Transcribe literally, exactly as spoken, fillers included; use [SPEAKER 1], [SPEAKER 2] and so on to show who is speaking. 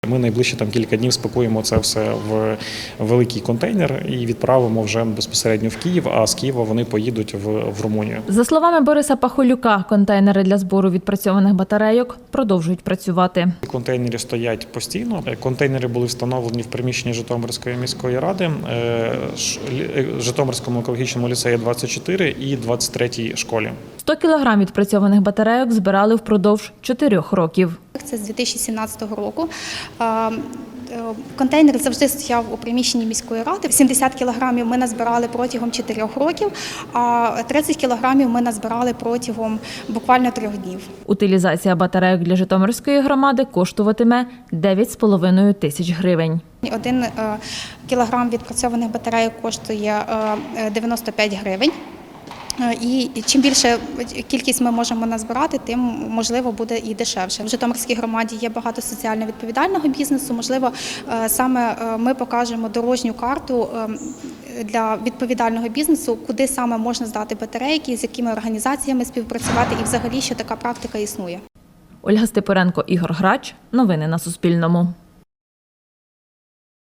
[SPEAKER 1] Ми найближчі там кілька днів спакуємо це все в великий контейнер і відправимо вже безпосередньо в Київ, а з Києва вони поїдуть в, в Румунію.
[SPEAKER 2] За словами Бориса Пахолюка, контейнери для збору відпрацьованих батарейок продовжують працювати.
[SPEAKER 1] Контейнери стоять постійно. Контейнери були встановлені в приміщенні Житомирської міської ради, Житомирському екологічному ліцеї двадцять чотири і двадцять третій школі.
[SPEAKER 2] сто кілограм відпрацьованих батарейок збирали впродовж чотирьох років.
[SPEAKER 3] Це з дві тисячі сімнадцятого року. Контейнер завжди стояв у приміщенні міської ради. сімдесят кілограмів ми назбирали протягом чотирьох років, а тридцять кілограмів ми назбирали протягом буквально трьох днів.
[SPEAKER 2] Утилізація батарейок для Житомирської громади коштуватиме дев'ять з половиною тисяч гривень.
[SPEAKER 3] Один кілограм відпрацьованих батарейок коштує дев'яносто п'ять гривень. І чим більше кількість ми можемо назбирати, тим, можливо, буде і дешевше. В Житомирській громаді є багато соціально відповідального бізнесу. Можливо, саме ми покажемо дорожню карту для відповідального бізнесу, куди саме можна здати батарейки, з якими організаціями співпрацювати і взагалі, що така практика існує.
[SPEAKER 2] Ольга Степуренко, Ігор Грач. Новини на Суспільному.